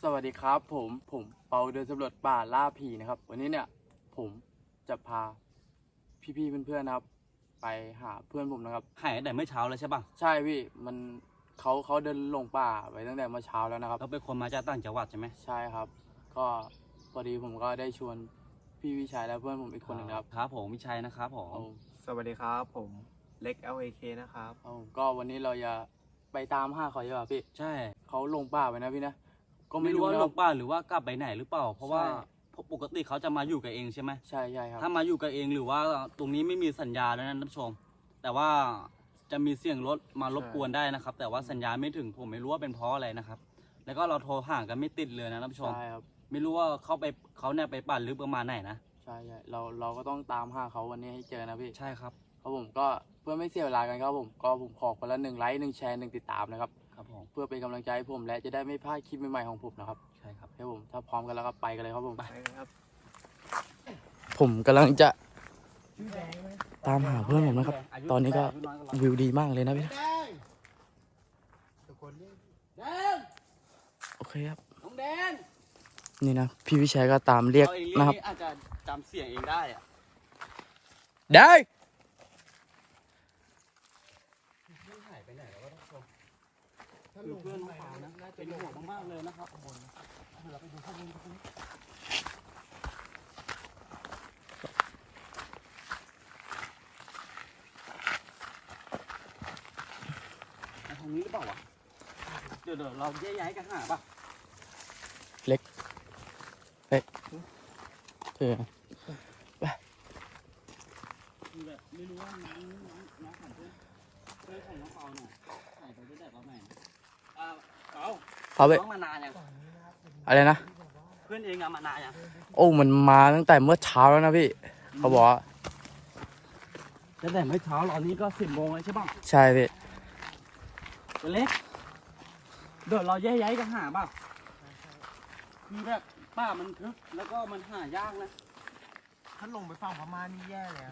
สวัสดีครับผมเปาเดินสำรวจป่าล่าผีนะครับวันนี้เนี่ยผมจะพาพี่ๆเพื่อนๆนะครับไปหาเพื่อนผมนะครับหายตั้งแต่เมื่อเช้าแล้วใช่ป่ะใช่พี่มันเขาเดินลงป่าไปตั้งแต่เมื่อเช้าแล้วนะครับเราเป็นคนมาจากต่างจังหวัดใช่ไหมใช่ครับก็พอดีผมก็ได้ชวนพี่วิชัยและเพื่อนผมอีกคนหนึ่งครับครับผมวิชัยนะครับผมเอาสวัสดีครับผมเล็ก LAK นะครับเอาก็วันนี้เราจะไปตามหาเขาใช่ป่ะพี่ใช่เขาลงป่าไปนะพี่นะก็ไม่รู้ว่านะลครับงป่าหรือว่ากลับไปไหนหรือเปล่าเพราะว่าใช่ปกติเขาจะมาอยู่กับเองใช่ไหมใช่ครับถ้ามาอยู่กับเองหรือว่าตรงนี้ไม่มีสัญญาแล้วนะท่านผู้ชมแต่ว่าจะมีเสียงรถมารบกวนได้นะครับ แต่ว่าสัญญาณไม่ถึงผมไม่รู้ว่าเป็นเพราะอะไรนะครับ แล้วก็เราโทรห่างกันไม่ติดเลยนะท่านผู้ชมใช่ครับไม่รู้ว่าเขาเนี่ยไปปั่นลึกประมาณไหนนะใช่เราก็ต้องตามหาเขาวันนี้ให้เจอนะพี่ใช่ครับครับผมก็เพื่อไม่เสียเวลากันครับผมขอคนละ1 ไลค์1 แชร์1 ติดตามนะครับครับผมเพื่อเป็นกำลังใจให้ผมและจะได้ไม่พลาดคลิปใหม่ๆของผมนะครับใช่ครับครับผมถ้าพร้อมกันแล้วก็ไปกันเลยครับผมไปครับผมกำลังจะตามหาเพื่อนผมนะครับตอนนี้ก็วิวดีมากเลยนะพี่นะโอเคครับน้องแดงนี่นะพี่วิชัยก็ตามเรียกนะครับอาจจะจำเสียงเองได้อะได้หายไปไหนแล้ววะท่านผู้ชมคือเพื่อนของเขานะเป็นห่วงมากๆเลยนะครับข้างบนเราไปดูข้างบนกันทางนี้หรือเปล่าวะเดี๋ยวเราย้ายกันหาป่ะเล็กเธอไปแบบไม่รู้ว่าน้องของเพื่อนของน้องเปาเนี่ยหายไปตั้งแต่ตอนไหนเปาเขาไปน้องมานานยังอะไรนะเพื่อนเองอะมานานยังโอ้มันมาตั้งแต่เมื่อเช้าแล้วนะพี่เขาบอกว่าตั้งแต่เมื่อเช้าตอนนี้ก็10 โมงแล้วใช่ป่ะใช่พี่ตัวเล็กเดี๋ยวเราย้ายกันหาป่ะคือแบบป้ามันทึบแล้วก็มันหายากนะถ้าลงไปฝั่งพม่านี่แย่เลย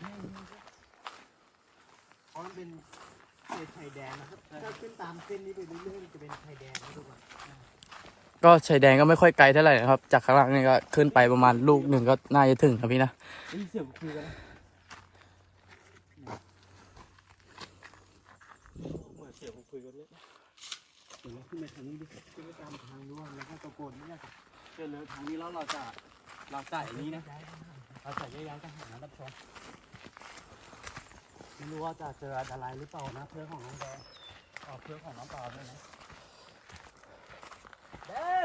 เพราะมันเป็นเขตชายแดนนะครับถ้าขึ้นตามเส้นนี้ไปเรื่อยๆจะเป็นชายแดนนะทุกคนก็ชายแดนก็ไม่ค่อยไกลเท่าไหร่นะครับจากข้างล่างนี่ก็ขึ้นไปประมาณลูกหนึ่งก็น่าจะถึงครับพี่นะนี่เสียงคุยกันนะเหมือนเสียงคุยกันเลยเดี๋ยวเราขึ้นไปทางนี้ดิขึ้นไปตามทางนู้นแล้วก็ตะโกนเนี่ยเดินเลยทางนี้แล้วเราจะอย่างนี้นะเราจะย้ายกันหานะท่านผู้ชมไม่รู้ว่าจะเจออะไรหรือเปล่านะเพื่อนของน้องแดงเพื่อนของน้องเปล่าด้วยนะแดง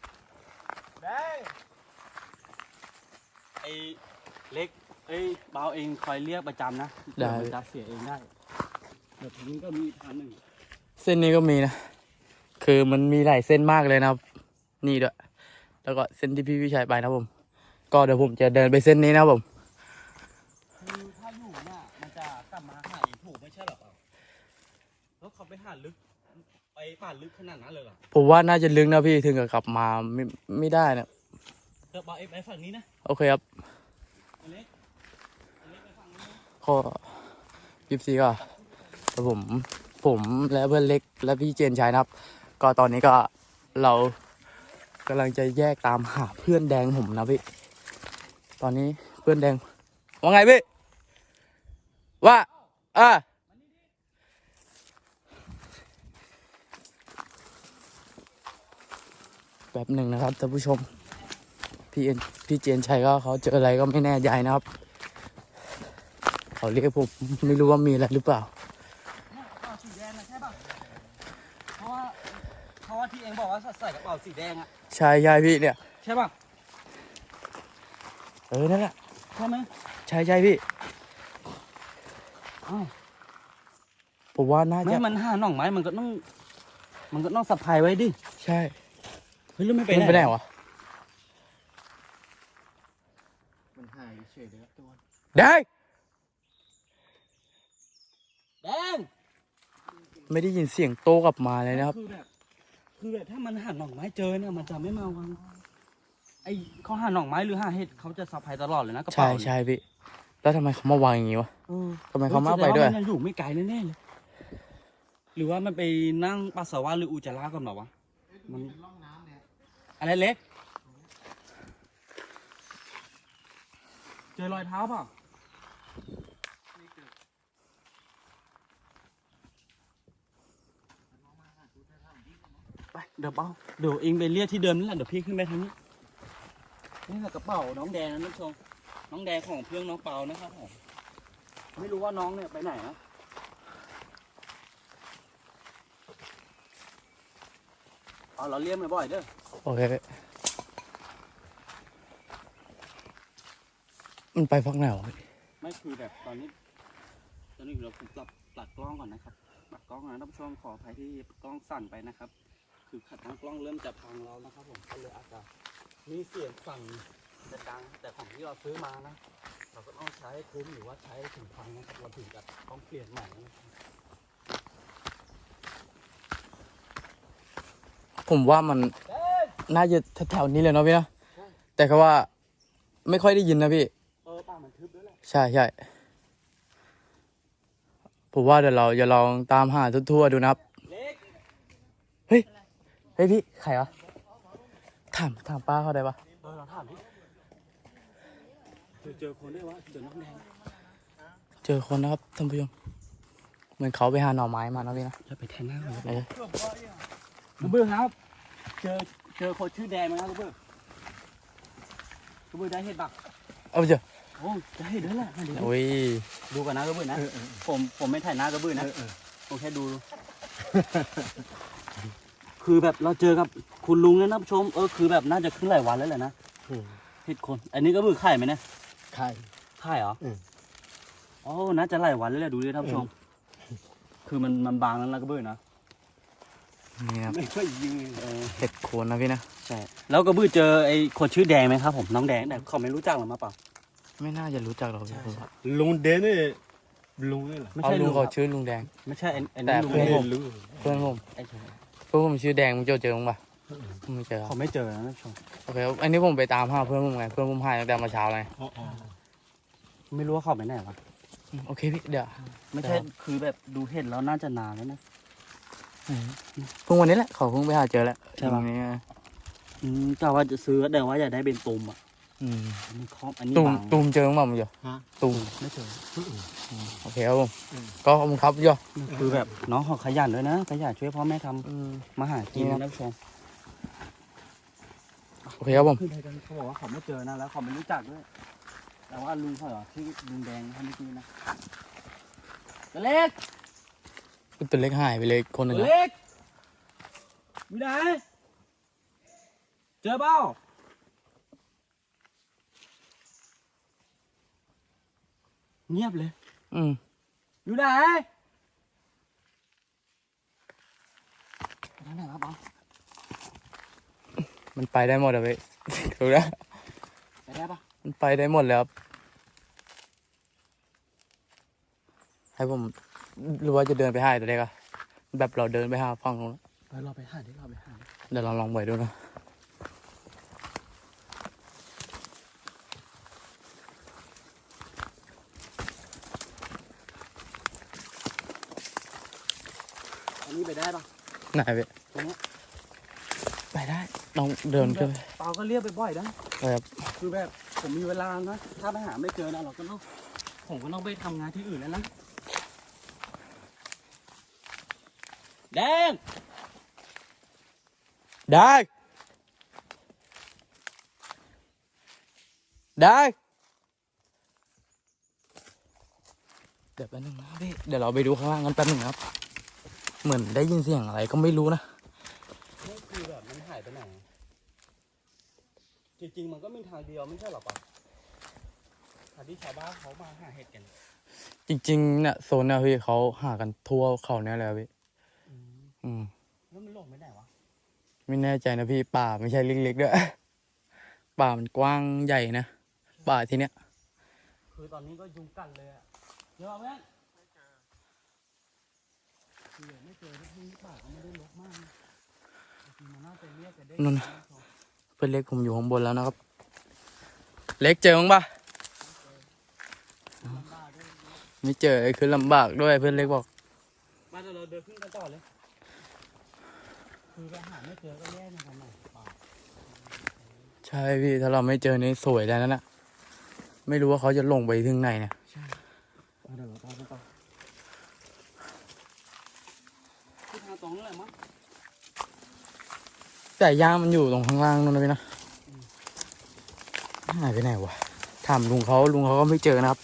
ไอ้เล็กเบาเองคอยเรียกประจำนะเดี๋ยวมันจะเสียเองได้เดี๋ยวทางนี้ก็มีทางหนึ่งเส้นนี้ก็มีนะคือมันมีหลายเส้นมากเลยนะครับนี่ด้วยแล้วก็เส้นที่พี่วิชัยไปนะผมก็เดี๋ยวผมจะเดินไปเส้นนี้นะผมคือถ้าอยู่เนี่ยมันจะกลับมาหาเองถูกไม่ใช่หรอเปล่าแล้วเขาไปหาลึกไปป่าลึกขนาดนั้นเลยเหรอผมว่าน่าจะลึกนะพี่ถึงกับกลับมาไม่ได้นะเดี๋ยวเบาไปฝั่งนี้นะโอเคครับเล็กไปฝั่งนี้นะข้อ24ก็แต่ผมและเพื่อนเล็กและพี่เจนชัยนะครับก็ตอนนี้ก็เรากำลังจะแยกตามหาเพื่อนแดงผมนะพี่ตอนนี้เพื่อนแดงว่าไงพี่ว่าแบบหนึ่งนะครับท่านผู้ชมพี่เจนชัยก็เขาเจออะไรก็ไม่แน่ใจนะครับเขาเรียกผมไม่รู้ว่ามีอะไรหรือเปล่าสีแดงนะใช่ป่ะเพราะว่าที่เองบอกว่าใส่กระเป๋าสีแดงอะใช่พี่เนี่ยใช่ป่ะนั่นแหละใช่ไหมใช่พี่ผมว่าน่าจะมันหาหน่องไม้มันก็ต้องสะพายไว้ดิใช่เฮ้ยแล้วไม่ไปไหนวะมันหายเฉยเลยครับตัวได้แดงไม่ได้ยินเสียงโต้กลับมาเลยนะครับคือแบบถ้ามันหาหน่องไม้เจอเนี่ยมันจะไม่มาวังไอเขาหาหน่องไม้หรือหาเห็ดเขาจะสะพายตลอดเลยนะกระเป๋าใช่พี่แล้วทำไมเขามาวางอย่างนี้วะทำไมเขามาไปด้วยมันยังอยู่ไม่ไกลแน่ๆเลยหรือว่ามันไปนั่งปัสสาวะหรืออุจจาระกันหรอวะมันอะไรเล็กเจอรอยเท้าเปล่าไปเดี๋ยวเดี๋ยวเองไปเรียกที่เดิมนั่นแหละเดี๋ยวพี่ขึ้นไปทางนี้นี่แหละกระเป๋าน้องแดงนะท่านผู้ชมน้องแดงของเพื่อนน้องเปานะครับผมไม่รู้ว่าน้องเนี่ยไปไหนนะเอาเราเรียกบ่อยๆเด้อโอเคมันไปพักไหนวะพี่ไม่คือแบบตอนนี้เราผมตัดกล้องก่อนนะครับตัดกล้องนะท่านผู้ชมขออภัยที่กล้องสั่นไปนะครับ คือขัดทางกล้องเริ่มจะพังแล้วนะครับผมก็เลยอาจจะมีเสียงสั่นดังแต่ของที่เราซื้อมานะเราก็ต้องใช้คุ้มหรือว่าใช้ถึงพังนะครับเราถึงจะต้องเปลี่ยนใหม่นะครับผมว่ามันน่าจะแถวๆนี้เลยเนาะพี่เนาะแต่ก็ว่าไม่ค่อยได้ยินนะพี่ป่ามันทึบด้วยแหละใช่ใช่ผมว่าเดี๋ยวเราจะลองตามหาทั่วๆดูนะครับเล็กเฮ้ยพี่ใครวะถามป้าเขาได้ปะเราถามดิเจอคนได้วะเจอน้องแดงเจอคนนะครับท่านผู้ชมเหมือนเขาไปหาหน่อไม้มานะพี่นะจะไปแทนหน้าเขาเออลูกเบื้อครับเจอคนชื่อแดงไหมครับลูกเบื้อได้เห็ดบักเอาไปเจอโอ้ได้เห็ดด้วยแหละมาดูโอ้ยดูกันนะลูกเบื้อนะผมไม่ถ่ายหน้าลูกเบื้อนะผมแค่ดู คือแบบเราเจอกับคุณลุงเนี่ยนะผู้ชมคือแบบน่าจะขึ้นหลายวันแล้วแหละนะเห็ดคน อันนี้ก็เบื้อไข่ไหมเนี่ยใครไข่เหรอโอ้น่าจะหลายวันแล้วแหละดูดิท่านผู้ชม คือมันบางแล้วนะก็เบื้อนะนี่ครับไม่ค่อยยืนเห็ดโคนนะพี่นะใช่แล้วก็บื้อเจอไอ้คนชื่อแดงไหมครับผมน้องแดงแต่เขาไม่รู้จักหรอมาเปล่าไม่น่าจะรู้จักหรอกพี่ผมว่าลุงเดนนี่ลุงนี่เหรอไม่เอาใช่ลุลุงงเขาชื่อลุงแดงไม่ใช่ไอ้แต่ลุงเพื่อนผมลุงเพื่อนผมไอ้เฉยเพื่อนผมชื่อแดงมึงเจอมั้งปะไม่เจอเขาไม่เจอนะท่านผู้ชมโอเคอันนี้ผมไปตามหาเพื่อนผมไงเพื่อนผมหายตั้งแต่เมื่อเช้าเลยไม่รู้ว่าเขาไปไหนวะโอเคพี่เดี๋ยวไม่ใช่คือแบบดูเห็นแล้วน่าจะนานแล้วนะเพิ่งวันนี้แหละเขาเพิ่งไปหาเจอแล้วใช่ปะตรงนี้กะว่าจะซื้อแต่ว่าอยากได้เป็นตุ่มอ่ะอืมอันนี้ครอบอันนี้ตูมบางตูมเจอมั้งมั้งอยู่ฮะตูมไม่เจอโอเคครับผมก็ขอบคุณครับย่อคือแบบน้องเขาขยันด้วยนะขยันช่วยพ่อแม่ทอืมำมาหากินนี่นะครับท่านผู้ชมโอเคครับผมขึ้นไปกันเขาบอกว่าเขาไม่เจอนะแล้วเขาไม่รู้จักด้วยแต่ว่าลุงเขาเหรอชื่อลุงแดงท่านเมื่อกี้นะตัวเล็กตัวเล็กหายไปเลยคนหนึ่งตัวครับเล็กมีไหนเจอเปล่าเงียบเลยอืมอยู่ไหนนั่นแหละครับเอามันไปได้หมดอะพี่ ถูกแล้วไปได้ปะมันไปได้หมดเลยครับให้ผมหรือว่าจะเดินไปหาตัวเล็กอะแบบเราเดินไปหาฝั่งนู้นไปเราไปหาดิเราไปหาดิเดี๋ยวเราลองไปดูนะอันนี้ไปได้ปะไหนพี่ตรงนี้ไปได้ลองเดินขึ้นไปเปาก็เรียกไปบ่อยนะครับคือแบบผมมีเวลานะถ้าไปหาไม่เจอนะเราก็ต้องผมก็ต้องไปทำงานที่อื่นแล้วนะแดงได้ได้เดี๋ยวแป๊บนึงนะพี่เดี๋ยวเราไปดูข้างล่างกันแป๊บนึงครับ เหมือนได้ยินเสียงอะไรก็ไม่รู้นะนี่คือแบบมันหายไปไหนจริงๆมันก็มีทางเดียวไม่ใช่หรอปะทางที่ชาวบ้านเขามาหาเห็ดกันจริงๆเนี่ยโซนเนี่ยพี่เขาหากันทั่วเขาเนี่ยเลยอะพี่อืมแล้วมันหลงไปไหนวะไม่แน่ใจนะพี่ป่าไม่ใช่เล็กๆด้วย ป่ามันกว้างใหญ่นะป่าที่เนี้ยคือตอนนี้ก็ยุงกัดเลยอะเจอไหมไม่เจอที่ป่าก็ไม่ได้รกมากนะจริงๆมันน่าจะเรียกกันได้นั่นน่ะ เพื่อนเล็กผมอยู่ข้างบนแล้วนะครับ เล็กเจอมั้งปะไม่เจอคือลำบากด้วยเพื่อนเล็กบอกมาเดี๋ยวเราเดินขึ้นกันต่อเลย คือไปหาไม่เจอก็แย่เหมือนกันหน่อยป่าใช่พี่ถ้าเราไม่เจอนี่สวยแล้วนั่นนะไม่รู้ว่าเขาจะลงไปถึงไหนเนี่ยใช่เดี๋ยวเราตามไปต่อที่ทางตรงนั่นแหละมั้งแต่ย่างมันอยู่ตรงข้างล่างนู่นนะพี่นะหายไปไหนวะถามลุงเขาก็ไม่เจอนะครับ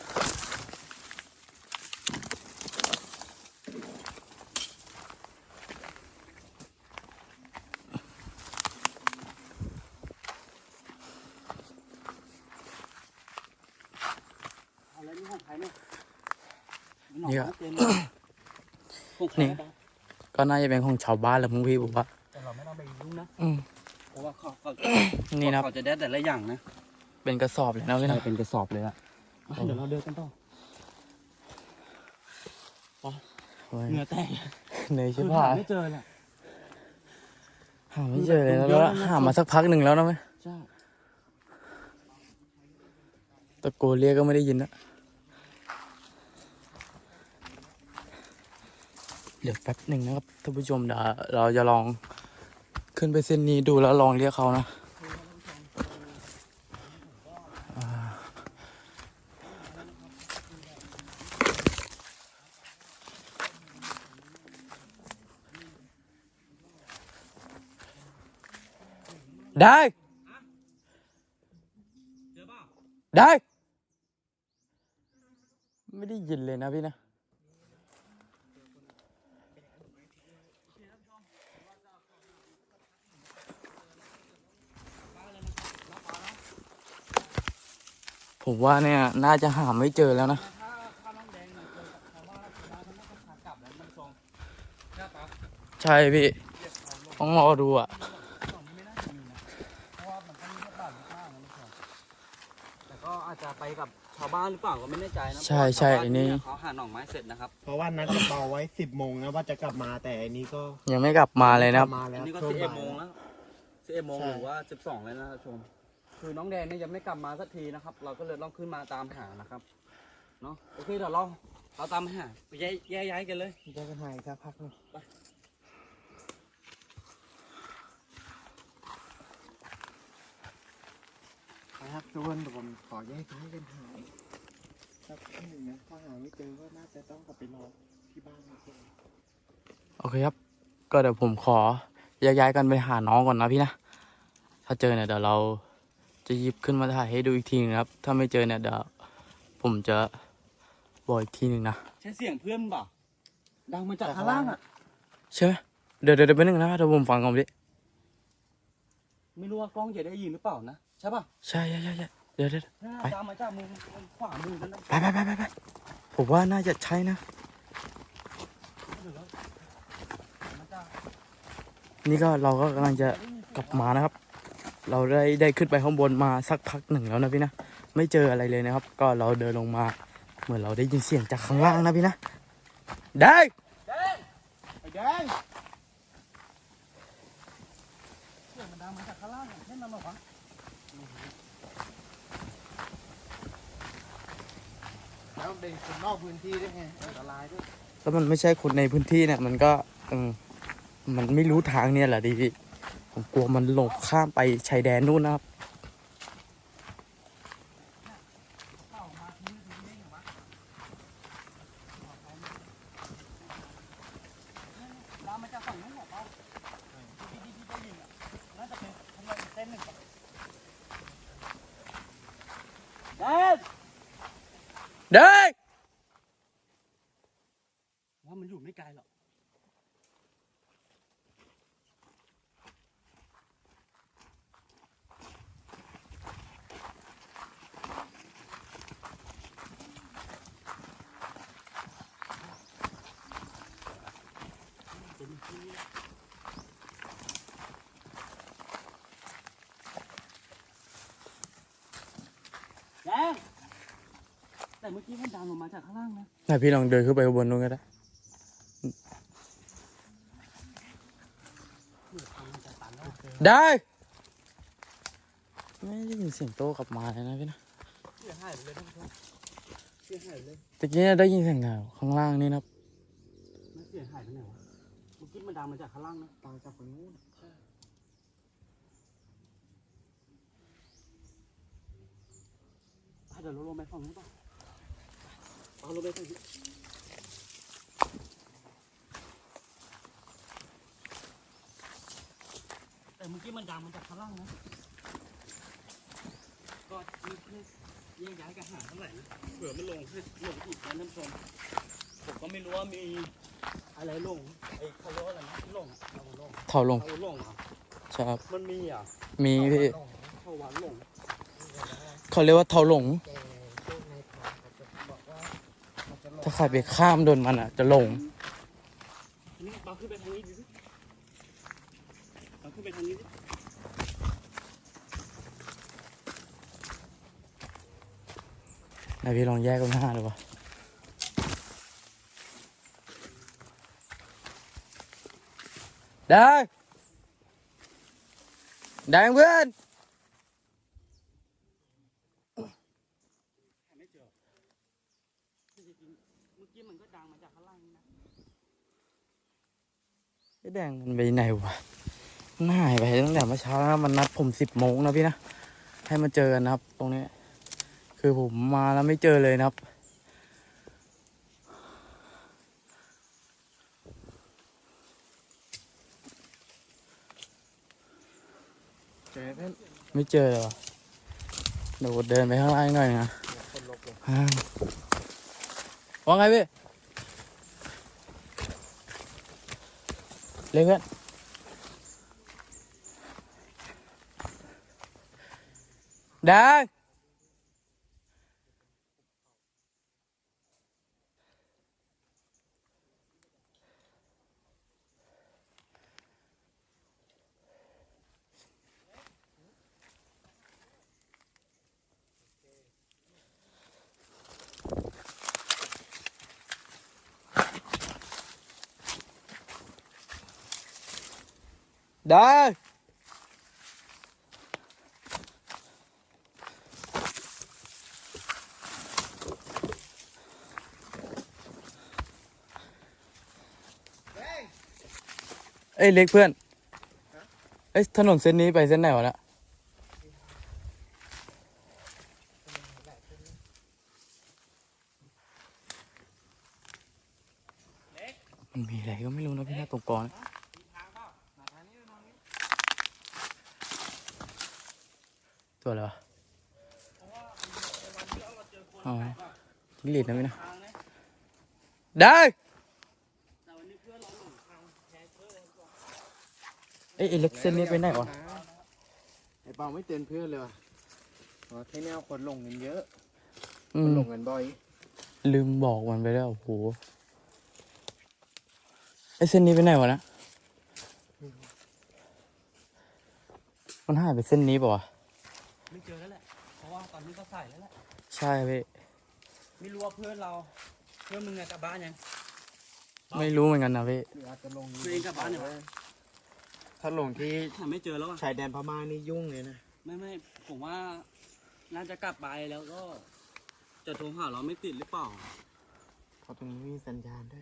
เอาแล้วนี่ของใครเนี่ยนี่ก็ของใครนี่นะก็น่าจะเป็นของชาวบ้านแหละมึงพี่ผมว่าแต่เราไม่ต้องไปยุ่งนะอืมเพราะว่าเขานี่นะครับเขาจะได้แต่ละอย่างนะเป็นกระสอบเลยนะพี่นะเป็นกระสอบเลยอะเดี๋ยวเราเดินกันต่อโอ้ยเหงื่อแตกเหนื่อยคืชิบอหาหาย ไม่เจอเลยหาไม่เจอเลยนะเยแล้วอะนะหามาสักพักหนึ่งแล้วนะไหมใช่ตะโกนเรียกก็ไม่ได้ยินนะเดี๋ยวแป๊บหนึ่งนะครับท่านผู้ชมเดี๋ยวเราจะลองขึ้นไปเส้นนี้ดูแล้วลองเรียกเขานะได้เจอเปล่าได้ ไม่ได้ยินเลยนะพี่นะผมว่าเนี่ยน่าจะหาไม่เจอแล้วนะถ้าน้องแดงเนี่ยเจอกับชาวบ้านชาวบ้านเขาน่าจะพากลับแล้วมันทรงใช่ปะใช่พี่ต้องรอดูอ่ะฝั่งนี้ไม่น่าจะมีนะเพราะว่ามันก็มีแค่บ้านข้างๆนะมันทรงแต่ก็อาจจะไปกับชาวบ้านหรือเปล่าก็ไม่แน่ใจนะใช่ใช่เพราะว่าชาวบ้าไอ้นี่เยเขาหาหน่อไม้เสร็จนะครับเพราะว่านัดกับเปาไว้10 โมงนะว่าจะกลับมาแต่อันนี้ก็ยังไม่กลับมาเลยนะครับมาแล้อันวนี้ก็ช่ว 11 บ่ายโมงแล้ว11 โมงใช่หรือว่า 12แล้วนะครับชม คือน้องแดงเนี่ยยังไม่กลับมาสักทีนะครับ เราก็เลยต้องขึ้นมาตามหานะครับ เนาะโอเคเดี๋ยวเราตามหาไปย้ายกันเลยจะกันหายสักพักหนึงนะครับทุกคนเดี๋ยวผมขอแยกย้ายกันหายสักพักหนึ่งนะถ้าหาไม่เจอก็น่าจะต้องกลับไปรอที่บ้านนะทุกคนโอเคครับ ก็เดี๋ยวผมขอย้ายกันไปหาน้องก่อนนะพี่นะ ถ้าเจอเนี่ยเดี๋ยวเราจะหยิบขึ้นมาถ่ายให้ดูอีกทีนึงนะครับ ถ้าไม่เจอเนี่ยเดี๋ยวผมจะบอกอีกทีนึงนะใช่เสียงเพื่อนเปล่าดังมาจากข้างล่างอ่ะใช่ไหมเดี๋ยวไปบนึงนะเดี๋ยวผมฟังก่อนดิไม่รู้ว่ากล้องจะได้ยินหรือเปล่านะ ใช่ป่ะใช่เดี๋ยวน่าไปตามมาจากมุมขวามือนั่นนะไปผมว่าน่าจะใช่นะมันจะนี่ก็เราก็กำลังจะกลับมานะครับ เราได้ขึ้นไปข้างบนมาสักพักหนึ่งแล้วนะพี่นะ ไม่เจออะไรเลยนะครับ ก็เราเดินลงมา เหมือนเราได้ยินเสียงจากข้างล่างนะพี่นะ ได้ไอ้แดงเสียงมันดังมาจากข้างล่างอย่างเช่นนั้นหรอวะแล้วเป็นคนนอกพื้นที่ด้วยไงอันตรายด้วยแล้วมันไม่ใช่คนในพื้นที่เนี่ย มันก็มันไม่รู้ทางเนี่ยแหละดิพี่ ผมกลัวมันหลงข้ามไปชายแดนนู่นนะครับดังมาจากฝั่งนู้นเหรอเปล่าที่ได้ยินอ่ะน่าจะเป็นทำไมเต้นหนึ่งก่อนแดนได้ว่ามันอยู่ไม่ไกลหรอกแดงแต่เมื่อกี้มันดังลงมาจากข้างล่างนะไหนพี่ลองเดินขึ้นไปข้างบนนู้นก็ได้ ได้ ไม่ได้ยินเสียงโต้กลับมาเลยนะพี่นะเสียหายไปเลยท่านผู้ชมเสียหายไปเลยตะกี้ได้ยินเสียงข้างล่างนี่นะครับมันเสียหายไปไหนวะเมื่อกี้มันดังมาจากข้างล่างนะตามจากฝั่งนู้นเดี๋ยวเราลงไปฝั่งนู้นต่อเอาลงไปฝั่งนี้แต่เมื่อกี้มันดังมาจากข้างล่างนะก็มีเพื่อนแยกย้ายกันหาเท่าไหร่นะเผื่อไม่ลงให้ลงอีกนะท่านผู้ชมผมก็ไม่รู้ว่ามีอะไรลงไอ้เขาเรียกว่าอะไรนะที่ลงเราลงเท่าลงเราลงอ่ะใช่ครับมันมีอ่ะมีพี่เขาวันลงเขาเรียกว่าเท่าหลงแต่พวกในทางเขาจะบอกว่ามันจะหลงถ้าใครไปข้ามโดนมันอ่ะ จะหลงนี่เราขึ้นไปทางนี้ดิเราขึ้นไปทางนี้ดิไหนพี่ลองแยกกันหน้าดูวะได้ได้เพื่อนหาไม่เจอจริงๆเมื่อกี้มันก็ดังมาจากข้างล่างนี่นะไอ้แดงมันไปไหนวะมันหายไปตั้งแต่เมื่อเช้าแล้วมันนัดผม10 โมงนะพี่นะ ให้มาเจอกันนะครับ ตรงนี้ คือผมมาแล้วไม่เจอเลยนะครับเจอเพื่อนไม่เจอเลยวะเดี๋ยวเดินไปข้างล่างหน่อยนะคนลบเลยว่าไงพี่เล็กเพื่อนได้ได้เอ้ยเล็กเพื่อนเอ้ยถนนเส้นนี้ไปเส้นไหนวะเนี่ยมันมีอะไรก็ไม่รู้นะพี่หน้าตรงกลางนะตัวอะไรวะอ๋อจิ้งหรีดนะพี่นะทางนะได้แต่วันนี้เพื่อนเราหลงทางแพ้เพื่อนเลยก่อนเอ้ยไอ้เล็กเส้นนี้ไปไหนวะไอ้เปาไม่เตือนเพื่อนเลยว่ะอ๋อที่แนวคนลงกันเยอะอืคนมลงกันบ่อยลืมบอกมันไปแล้วโอ้โหไอ้เส้นนี้ไปไหนวะนะมันหายไปเส้นนี้ป่าวะไม่เจอแล้วแหละเพราะว่าตอนนี้ก็ใส่แล้วแหละใช่พี่ไม่รู้ว่าเพื่อนเราเพื่อนมึงอะกลับบ้านยังไม่รู้เหมือนกันนะพี่หรืออาจจะลงตัวเองกลับบ้านยังถ้าลงที่หาไม่เจอแล้วอะชายแดนพม่านี่ยุ่งเลยนะไม่ผมว่าน่าจะกลับไปแล้วก็จะโทรหาเราไม่ติดหรือเปล่าเพราะตรงนี้มีสัญญาณด้วย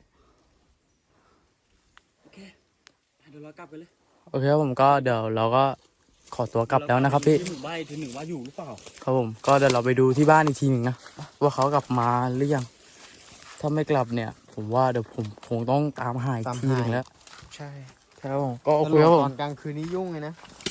โอเคเดี๋ยวเรากลับไปเลยโอเคครับผมก็เดี๋ยวเราก็ขอตัวกลับแล้วนะครับพี่ที่หมู่บ้านถึงหนึ่งว่าอยู่หรือเปล่าครับผมก็เดี๋ยวเราไปดูที่บ้านอีกทีหนึ่งนะว่าเขากลับมาหรือยัง ถ้าไม่กลับเนี่ย ผมว่าเดี๋ยวผมคงต้องตามหาอีกทีหนึ่งแล้วใช่ครับผมก็โอเคครับผตมอนกลางคืนนี่ยุ่งเลยนะ